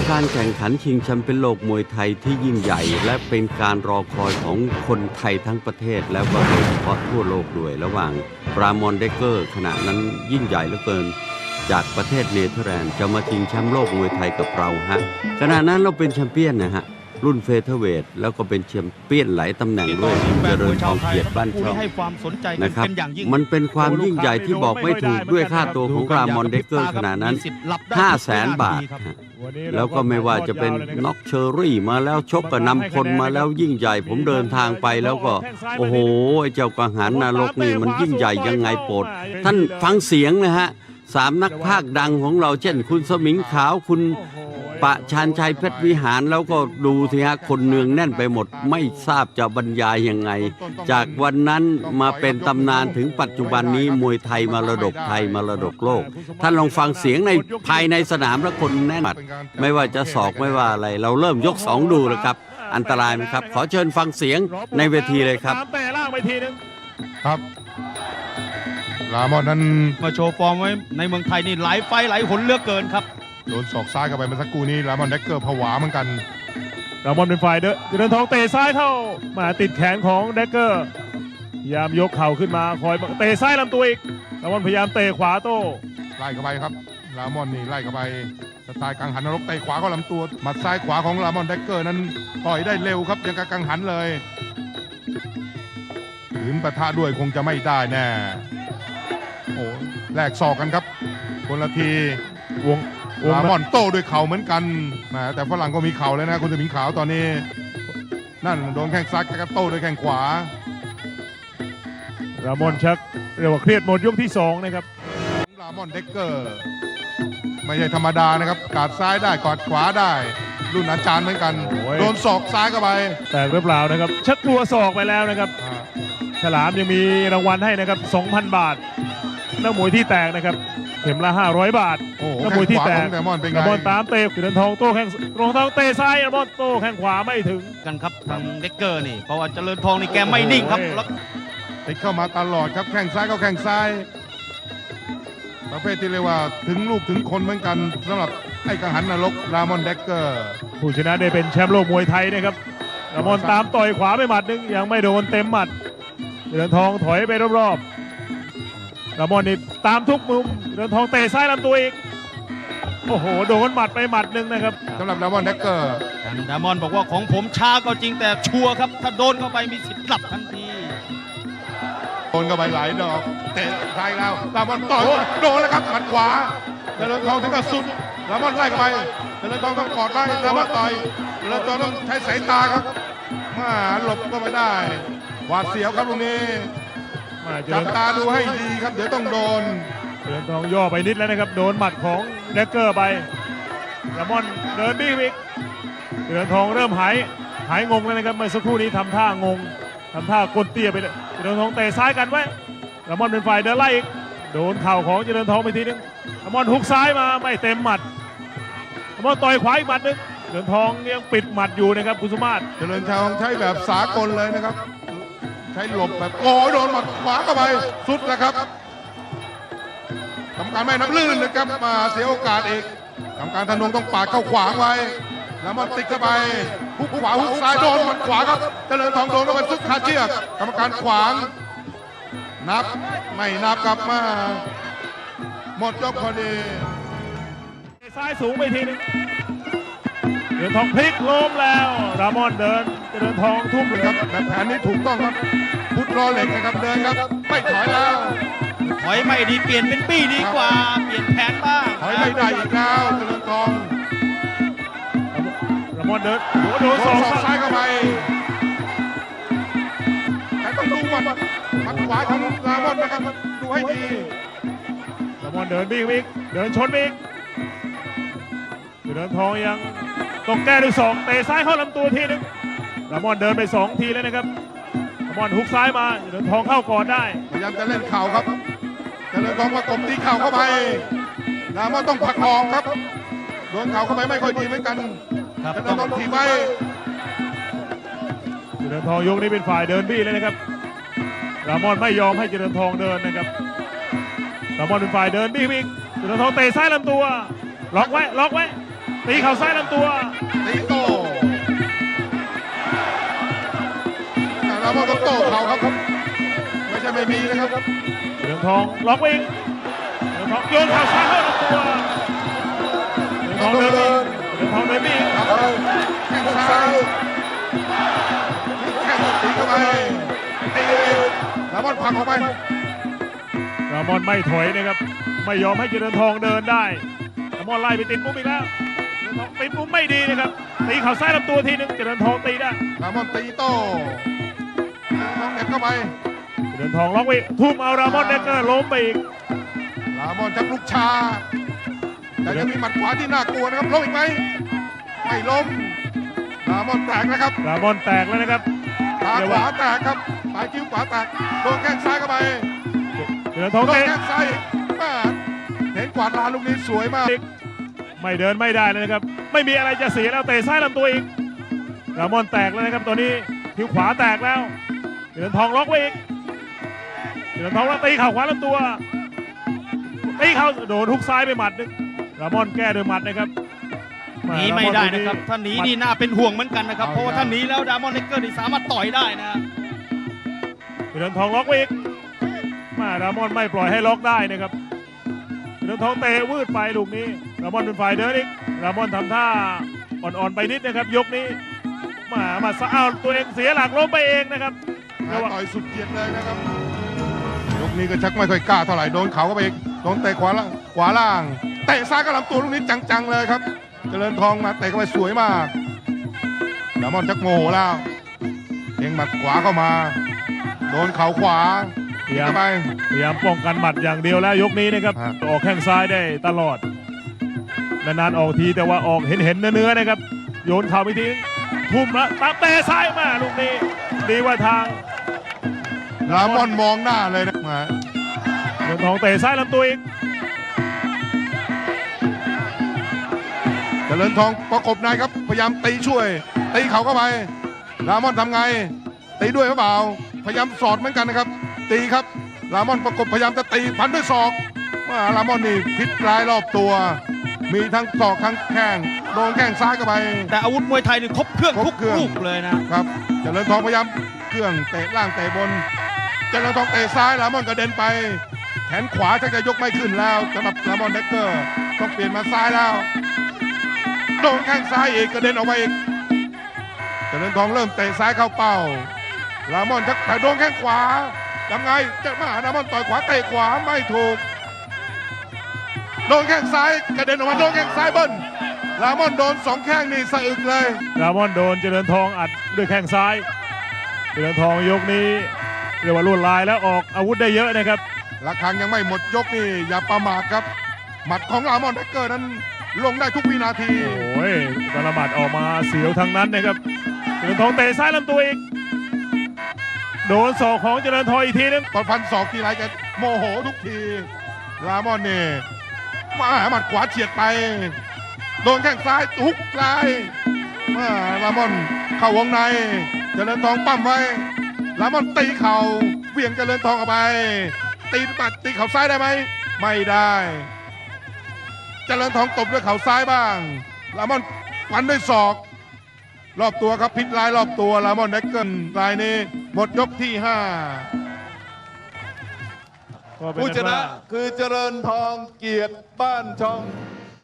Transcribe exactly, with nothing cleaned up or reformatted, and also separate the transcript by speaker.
Speaker 1: การแข่งขันชิงแชมป์เป็นโลกมวยไทยที่ยิ่งใหญ่และเป็นการรอคอยของคนไทยทั้งประเทศแล้วก็โดยเฉพาะทั่วโลกด้วยระหว่างรามอนเดกเกอร์ขณะนั้นยิ่งใหญ่เหลือเกินจากประเทศเนเธอร์แลนด์จะมาชิงแชมป์โลกมวยไทยกับเราฮะขณะนั้นเราเป็นแชมเปี้ยนนะฮะรุ่นเฟเธอร์เวทแล้วก็เป็นแชมเปี้ยนหลายตำแหน่งด้วยเจริญทองเกียรติบ้านช่องนะครับมันเป็นความยิ่งใหญ่ที่บอกไม่ถูกด้วยค่าตัวของรามอนเดกเกอร์ขณะนั้น ห้าแสน บาทแล้วก็ไม่ว่าจะเป็นน็อกเชอรี่มาแล้วชกกับนำพลมาแล้วยิ่งใหญ่ผมเดินทางไปแล้วก็โอ้โหไอ้เจ้ากังหันนรกนี่มันยิ่งใหญ่ยังไงโปรดท่านฟังเสียงนะฮะสามนักพากย์ดังของเราเช่นคุณสมิงขาวคุณปะชาญชัยเพชรวิหารแล้วก็ดูสิฮะคนเนืองแน่นไปหมดไม่ทราบจะบรรยายยังไงจากวันนั้นมาเป็นตำนานถึงปัจจุบันนี้มวยไทยมรดกไทยมรดกโลกท่านลองฟังเสียงในภายในสนามแล้วคนแน่นไม่ว่าจะศอกไม่ว่าอะไรเราเริ่มยกสองดูแล้วครับอันตรายไหมครับขอเชิญฟังเสียงในเวทีเลยครับ
Speaker 2: แต่ล่างไปทีนึง
Speaker 3: ครับรามอนนั้น
Speaker 2: มาโชว์ฟอร์มไว้ในเมืองไทยนี่หลายไฟหลายหนเหลือเกินครับ
Speaker 3: โดนศอกซ้ายเข้าไปเมื่อสักครู่นี้รามอนเดกเกอร์ผวาเหมือนกัน
Speaker 2: รามอนเป็นฝ่ายเดินเดินทองเตะซ้ายเข้ามาติดแขนของเดกเกอร์พยายามยกเข่าขึ้นมาคอยเตะซ้ายลำตัวอีกรามอนพยายามเตะขวาโต้
Speaker 3: ไล่เข้าไปครับรามอนนี่ไล่เข้าไปสไตล์กังหันนรกเตะขวาเข้าลำตัวหมัดซ้ายขวาของรามอนเดกเกอร์นั้นต่อยได้เร็วครับยังกับกังหันเลยขืนปะทะด้วยคงจะไม่ได้แน่โอ้แลกศอกกันครับคนละทีวงรามอนโต้ด้วยเข่าเหมือนกันแต่ฝรั่งก็มีเข่าเลยนะคุณสมิงขาวตอนนี้นั่นโดนแข้งซ้ายกับโต้ด้วยแข้งขวาร
Speaker 2: ามอนชักเรียกว่าเครียดหมดยกที่สองนะครับ
Speaker 3: รามอนเดกเกอร์ไม่ใช่ธรรมดานะครับกาดซ้ายได้กอดขวาได้รุ่นอาจารย์เหมือนกันโดนศอกซ้ายเข้าไป
Speaker 2: แต่หรือเปล่านะครับชักกลัวศอกไปแล้วนะครับฉลามยังมีรางวัลให้นะครับ สองพัน บาทนักมวยที่แตกนะครับเข็มละห้าร้อยบาทนักมวยที่แตกรามอนตามเตะเดินทองโต้แข้งรองทองเตะซ้ายรามอนโต้แข้งขวาไม่ถึงกันครับทางเด็กเกอร์นี่เพราะว่าเจริญทองนี่แกไม่นิ่งครับ
Speaker 3: ติดเข้ามาตลอดครับแข้งซ้ายก็แข้งซ้ายประเภทที่เรียกว่าถึงลูกถึงคนเหมือนกันสำหรับไอ้กังหันนรกรามอนเดกเกอร์
Speaker 2: ผู้ชนะได้เป็นแชมป์โลกมวยไทยนะครับรามอนตามต่อยขวาไปหมัดนึงยังไม่โดนเต็มหมัดเดินทองถอยไปรอบๆรามอนนี่ตามทุกมุมเดินทองเตะซ้ายลำตัวอีกโอ้โหโดนหมัดไปหมัดนึงนะครับ
Speaker 3: สำหรับรามอนเดกเกอร์
Speaker 2: รามอนบอกว่าของผมช้าก็จริงแต่ชัวร์ครับถ้าโดนเข้าไปมีสิทธิ์กลับทันที
Speaker 3: โดนเข้าไปหลายดอกเตะซ้ายแล้วรามอนต่อยโดนแล้วครับหมัดขวาเจริญทองถึงกับสุดรามอนไล่เข้าไปเจริญทองต้องกอดไว้รามอนต่อยเจริญทองต้องใช้สายตาครับมาหลบก็ไม่ได้หวาดเสียวครับตรงนี้จับตาดูให้ดีครับเดี๋ยวต้องโดน
Speaker 2: เจริญทองย่อไปนิดแล้วนะครับโดนหมัดของเดกเกอร์ไปรามอนเดินบี้อีกเจริญทองเริ่มหายหายงงแล้วนะครับเมื่อสักครู่นี้ทำท่างงทำท่ากดเตี้ยไปเลยเจริญทองเตะซ้ายกันไว้รามอนเป็นฝ่ายเดินไล่อีกโดนเข่าของเจริญทองไปทีนึงรามอนฮุกซ้ายมาไม่เต็มหมัดรามอนต่อยขวาอีกหมัดนึงเจริญทองยังปิดหมัดอยู่นะครับคุณสุมาศ
Speaker 3: เจริญทองใช้แบบสากลเลยนะครับใช้หลบแบบโอ้โดนหมัดขวาเข้าไปสุดแล้วครับกรรมการไม่นับลื่นนะครับมาเสียโอกาสอีกกรรมการธนงต้องปาดเข้าขวางไว้แล้วมันติดเข้าไปฮุกขวาฮุกซ้ายโดนหมัดขวาครับเจริญทองโดนเข้าไปสุดคาเชือกกรรมการขวางนับไม่นับกลับมาหมดยกพอดี
Speaker 2: ซ้ายสูงไปทีนึงเดินทองพลิกล้มแล้วรามอนเดินเดินทองทุ่มเลย
Speaker 3: ครับแบบแผนนี้ถูกต้องครับพุทธรอเหล็กนะครับเดินครับไม่ถอยแล้ว
Speaker 2: ถอยไม่ดีเปลี่ยนเป็นปี้ดีกว่าเปลี่ยนแผนบ้าง
Speaker 3: ถอยไม่ได้อีกแล้วเดินทอง
Speaker 2: รามอนเดินโดนสอง
Speaker 3: ซ้ายเข้าไปแต่ต้องดูว่ามัดขวาของรามอนนะครับดูให้ดี
Speaker 2: รามอนเดินบี้บิ๊กเดินชนบิ๊กเดินทองยังต้องแก้ด้วยสองเตะซ้ายเข้าลำตัวทีนึงรามอนเดินไปสองทีแล้วนะครับรามอนฮุกซ้ายมาเดินทองเข้าก่อนได้
Speaker 3: พยายามจะเล่นเข่าครับเดินทองประกบตีเข่าเข้าไปรามอนต้องผลักออกครับโดนเข่าเข้าไปไม่ค่อยดีเหมือนกันเดินทองถีบไว้
Speaker 2: เดินทองยกนี้เป็นฝ่ายเดินบี้เลยนะครับรามอนไม่ยอมให้เจริญทองเดินนะครับรามอนเป็นฝ่ายเดินบี้บิ๊กเจริญทองเตะซ้ายลำตัวล็อกไว้ล็อกไว้ตีเข่าซ้ายลำตัว
Speaker 3: ตีโต้รามอนก็โต้เข่าครับไม่ใช่ไม่มีนะครับ
Speaker 2: เหลืองทองล็อกวิ่งเหลืองทองโยนเข่าซ้ายเข้าลำตัวเหลืองทองเดินวิ่งเหลืองทองเดินวิ่ง
Speaker 3: แข้งซ้ายแข้งตีเข้าไปตีรามอนผลักออกไป
Speaker 2: รามอนไม่ถอยนะครับไม่ยอมให้เจริญทองเดินได้รามอนไล่ไปติดมุมอีกแล้วเจริญทองติดมุมไม่ดีนะครับตีเข่าซ้ายลำตัวทีนึงเจริญทองตีได้
Speaker 3: รามอนตีโต้น้องเด็ดเข้าไป
Speaker 2: เจริญทองล็อกวิ่งทุ่มเอารามอนเดกเกอร์ล้มไปอีก
Speaker 3: รามอนชักลุกชาแต่ยังมีหมัดขวาที่น่ากลัวนะครับล้มอีกไหมไม่ล้มรามอนแตกนะครับ
Speaker 2: รามอนแตกแล้วนะครับ
Speaker 3: ขาขวาแตกครับปลายคิ้วขวาแตกโดนแข้งซ้ายเข้าไป
Speaker 2: เจริญทอง
Speaker 3: โดน
Speaker 2: เตะ
Speaker 3: แข้งซ้ายแม่เห็นกวาดลานลูกนี้สวยมาก
Speaker 2: ไม่เดินไม่ได้เลยนะครับไม่มีอะไรจะเสียแล้วเตะซ้ายลำตัวอีกรามอนแตกแล้วนะครับตัวนี้คิ้วขวาแตกแล้วเจริญทองล็อกไว้อีกเจริญทองแล้วตีเข่าขวาลำตัวตีเข่าโดนทุกซ้ายไปหมัดนึงรามอนแก้ด้วยหมัดนะครับ
Speaker 4: หนีไม่ได้นะครับถ้าหนีนี่น่าเป็นห่วงเหมือนกันนะครับเพราะว่าถ้าหนีแล้วดามอนเลกเกอร์นี่สามารถต่อยได้นะ
Speaker 2: เจริญทองล็อกไว้อีกมารามอนไม่ปล่อยให้ล็อกได้นะครับเจริญทองเตะวืดไปลูกนี้รามอนเป็นฝ่ายเดินอีกรามอนทำท่าอ่อนๆไปนิดนะครับยกนี้มามาสะเอาตัวเองเสียหลักล้มไปเองนะครับ
Speaker 3: ต่อยสุดเกียรติเลยนะครับยกนี้ก็ชักไม่ค่อยกล้าเท่าไหร่โดนเขาก็ไปอีกโดนเตะขวาล่างขวาล่างเตะซ้ายกับลำตัวลูกนี้จังๆเลยครับเจริญทองมาเตะเข้าไปสวยมากรามอนชักโมโหแล้วเองหมัดขวาเข้ามาโดนเข่าขวา
Speaker 2: พยายาม
Speaker 3: เข้าไป
Speaker 2: พยายามป้องกันหมัดอย่างเดียวแล้วยกนี้นะครับ
Speaker 3: ฮะ
Speaker 2: ออกแข้งซ้ายได้ตลอดนานๆออกทีแต่ว่าออกเห็นเห็นๆเนื้อๆนะครับโยนเข่าไปทีทุ่มละตับเตะซ้ายมาลูกนี้ดีว่าทาง
Speaker 3: รามอนมองหน้าเลยนะมา
Speaker 2: เงินทองเตะซ้ายลำตัวอีก
Speaker 3: เจริญทองประกบในครับพยายามตีช่วยตีเขาเข้าไปรามอนทำไงตีด้วยหรือเปล่าพยายามสอดเหมือนกันนะครับ ตีครับรามอนประกบพยายามจะตีพันด้วยศอกว่ารามอนนี่พิษร้ายรอบตัว มีทั้งศอกทั้งแข้งโดนแข้งซ้ายเข้าไป
Speaker 4: แต่อาวุธมวยไทยนี่ครบเครื่อง
Speaker 3: ครบ
Speaker 4: ทุก
Speaker 3: เครื่อง
Speaker 4: ลูกเลยนะครับ
Speaker 3: เจริญทองพยายามเครื่องเตะล่างเตะบนเจริญทองเตะซ้ายรามอนกระเด็นไปแขนขวาชักจะยกไม่ขึ้นแล้วสำหรับรามอนเด็กเกอร์ต้องเปลี่ยนมาซ้ายแล้วโดนแข้งซ้ายอีกกระเด็นออกมาอีกเจริญทองเริ่มเตะซ้ายเข้าเป้ารามอนชักแต่โดนแข้งขวาทำไงจะมาหารามอนต่อยขวาเตะขวาไม่ถูกโดนแข้งซ้ายกระเด็นออกมาโดนแข้งซ้ายเบิ้ลรามอนโดนสองแข้งนี่สะอึกเลย
Speaker 2: รามอนโดนเจริญทองอัดด้วยแข้งซ้ายเจริญทองยกนี้เรียกว่าลวดลายแล้วออกอาวุธได้เยอะนะครับ
Speaker 3: ระฆังยังไม่หมดยกนี่อย่าประมาทครับ หมัดของรามอนเดกเกอร์นั้นลงได้ทุกวินาที
Speaker 2: โอ้ยกระหมัดออกมาเสียวทั้งนั้นนะครับเจริญทองเตะซ้ายลำตัวอีกโดนศอกของเจริญทองอีกทีนึง
Speaker 3: ตอนฟันศอกทีไรแกโมโหทุกที รามอนนี่มาหมัดขวาเฉียดไป โดนแข้งซ้ายทุกลายมารามอนเข้าวงใน เจริญทองปั้มไว้ รามอนตีเข่าเหวี่ยงเจริญทองออกไป ตีปัดตีเข่าซ้ายได้ไหม ไม่ได้ เจริญทองตบด้วยเข่าซ้ายบ้าง รามอนฟันด้วยศอก รอบตัวครับพิษลายรอบตัวรามอนเดกเกิลรายนี้หมดยกที่ห้า
Speaker 2: ก็เป็น
Speaker 5: ผู้
Speaker 2: อั
Speaker 5: ช
Speaker 2: น
Speaker 5: นะ
Speaker 2: ว่า
Speaker 5: คือเจริญทองเกียรติบ้านช่อง